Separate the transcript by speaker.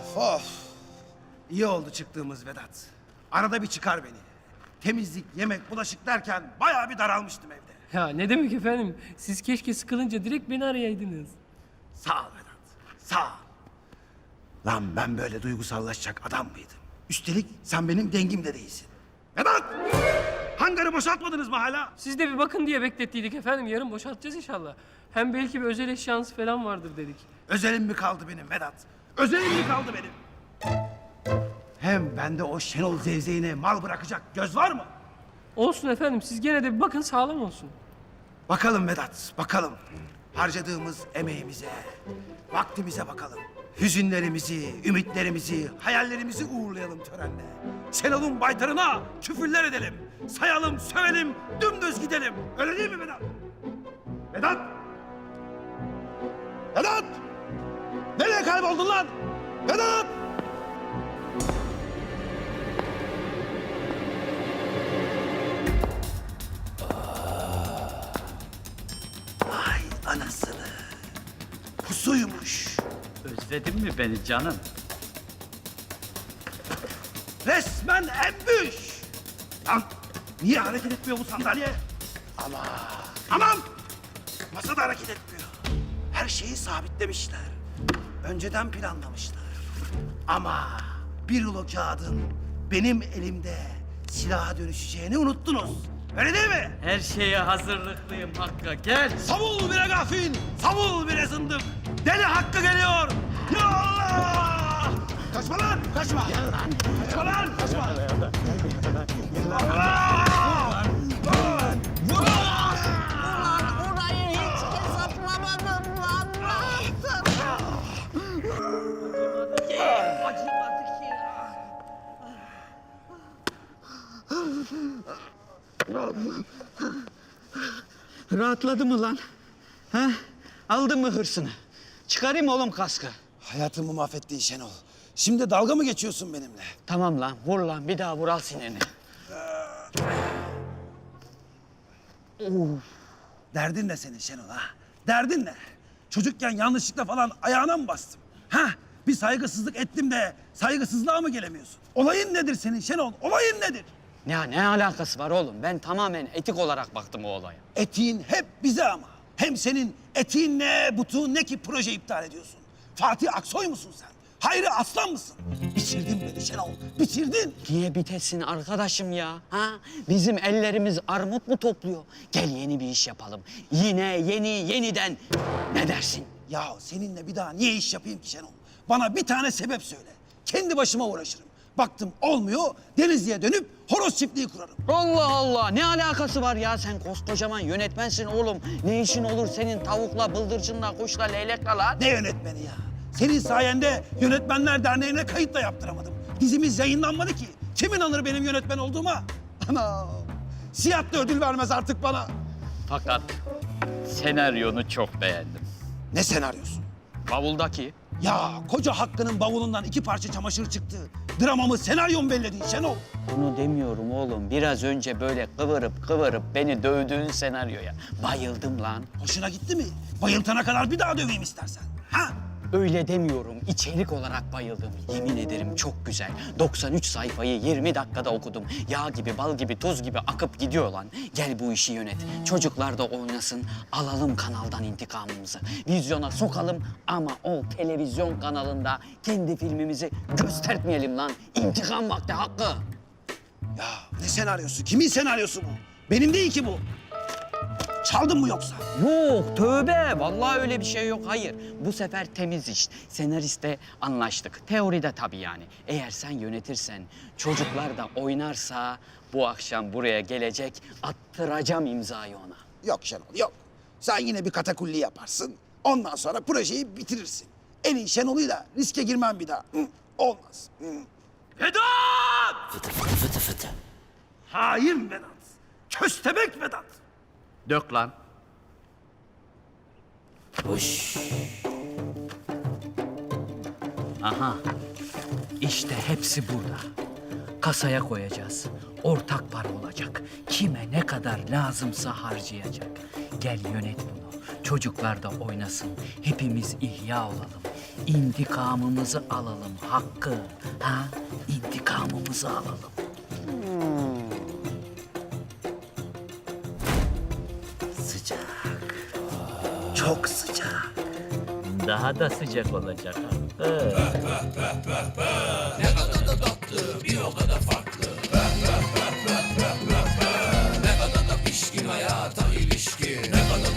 Speaker 1: Of. İyi oldu çıktığımız Vedat. Arada bir çıkar beni. Temizlik, yemek, bulaşık derken bayağı bir daralmıştım evde.
Speaker 2: Ya ne demek efendim? Siz keşke sıkılınca direkt beni arayaydınız.
Speaker 1: Sağ ol Vedat, sağ ol. Lan ben böyle duygusallaşacak adam mıydım? Üstelik sen benim dengim de değilsin. Vedat! Hangarı boşaltmadınız mı hala?
Speaker 2: Siz de bir bakın diye beklettiydik efendim. Yarın boşaltacağız inşallah. Hem belki bir özel eşyanız falan vardır dedik.
Speaker 1: Özelim mi kaldı benim Vedat? Özelim mi kaldı benim? Hem bende o Şenol zevzeğine mal bırakacak göz var mı?
Speaker 2: Olsun efendim. Siz gene de bir bakın, sağlam olsun.
Speaker 1: Bakalım Vedat, bakalım. Harcadığımız emeğimize, vaktimize bakalım. Hüzünlerimizi, ümitlerimizi, hayallerimizi uğurlayalım törenle. Şenol'un baytarına küfürler edelim. Sayalım, sövelim, dümdüz gidelim. Öyle değil mi Vedat? Vedat! Vedat! Nereye kayboldun lan? Vedat! Ay anasını. Pusuymuş.
Speaker 3: Özledin mi beni canım?
Speaker 1: Resmen embüş. Lan niye hareket etmiyor bu sandalye? Aman! Masa da hareket etmiyor. Her şeyi sabitlemişler. Önceden planlamışlar. Ama bir rulo kağıdın benim elimde silaha dönüşeceğini unuttunuz. Öyle değil mi?
Speaker 3: Her şeye hazırlıklıyım Hakk'a. Gel.
Speaker 1: Savul bire gafil, savul bire zındık. Deli Hakkı geliyor. Ya Allah! Kaçma lan, kaçma. Kaçma lan, kaçma. Allah!
Speaker 4: Orayı hiç hesaplamadım lan.
Speaker 5: Rahatladı mı lan? Ha? Aldın mı hırsını? Çıkarayım mı oğlum kaskı?
Speaker 1: Hayatımı mahvettin Şenol. Şimdi dalga mı geçiyorsun benimle?
Speaker 5: Tamam lan, vur lan. Bir daha vur, al sineni.
Speaker 1: Derdin ne senin Şenol ha? Derdin ne? Çocukken yanlışlıkla falan ayağına mı bastım? Ha? Bir saygısızlık ettim de saygısızlığa mı gelemiyorsun? Olayın nedir senin Şenol? Olayın nedir?
Speaker 5: Ne alakası var oğlum? Ben tamamen etik olarak baktım o olaya.
Speaker 1: Etiğin hep bize ama. Hem senin etiğin ne, butuğun ne ki proje iptal ediyorsun? Fatih Aksoy musun sen? Hayri Aslan mısın? Bitirdin beni Şenol, bitirdin.
Speaker 5: Niye bitesin arkadaşım ya? Ha? Bizim ellerimiz armut mu topluyor? Gel yeni bir iş yapalım. Yine yeniden. Ne dersin?
Speaker 1: Ya seninle bir daha niye iş yapayım ki Şenol? Bana bir tane sebep söyle. Kendi başıma uğraşırım. Baktım olmuyor, Denizli'ye dönüp horoz çiftliği kurarım.
Speaker 5: Allah Allah, ne alakası var ya? Sen koskocaman yönetmensin oğlum. Ne işin olur senin tavukla, bıldırcınla, kuşla, leylekle lan?
Speaker 1: Ne yönetmeni ya? Senin sayende Yönetmenler Derneği'ne kayıt da yaptıramadım. Dizimiz yayınlanmadı ki. Kim inanır benim yönetmen olduğuma? Ana! Siyah da ödül vermez artık bana.
Speaker 3: Fakat senaryonu çok beğendim.
Speaker 1: Ne senaryosu?
Speaker 5: Bavuldaki.
Speaker 1: Ya koca Hakkı'nın bavulundan 2 parça çamaşır çıktı. Dramamı, senaryomu belledin Şenol.
Speaker 5: Bunu demiyorum oğlum. Biraz önce böyle kıvırıp beni dövdüğün senaryoya bayıldım lan.
Speaker 1: Hoşuna gitti mi? Bayıltana kadar bir daha döveyim istersen. Ha?
Speaker 5: Öyle demiyorum. İçerik olarak bayıldım. Yemin ederim çok güzel. 93 sayfayı 20 dakikada okudum. Yağ gibi, bal gibi, tuz gibi akıp gidiyor lan. Gel bu işi yönet. Çocuklar da oynasın. Alalım kanaldan intikamımızı. Vizyona sokalım ama o televizyon kanalında kendi filmimizi göstermeyelim lan. İntikam vakti Hakkı.
Speaker 1: Ya ne senaryosu? Kimin senaryosu bu? Benim değil ki bu. Çaldın mı yoksa?
Speaker 5: Yok tövbe. Vallahi öyle bir şey yok. Hayır. Bu sefer temiz iş. Senariste anlaştık. Teoride tabii yani. Eğer sen yönetirsen, çocuklar da oynarsa bu akşam buraya gelecek, attıracağım imzayı ona.
Speaker 1: Yok Şenol, yok. Sen yine bir katakulli yaparsın. Ondan sonra projeyi bitirirsin. Elin Şenol'uyla riske girmem bir daha. Hı, olmaz. Hı. Vedat! Fıtı fıtı fıtı fıtı. Hain Vedat. Köstebek Vedat.
Speaker 3: Dök lan.
Speaker 5: Aha. İşte hepsi burada. Kasaya koyacağız. Ortak para olacak. Kime ne kadar lazımsa harcayacak. Gel yönet bunu. Çocuklar da oynasın. Hepimiz ihya olalım. İntikamımızı alalım Hakkı. Ha? İntikamımızı alalım. Sıcak. Çok sıcak.
Speaker 3: Daha da sıcak olacak Hakkı.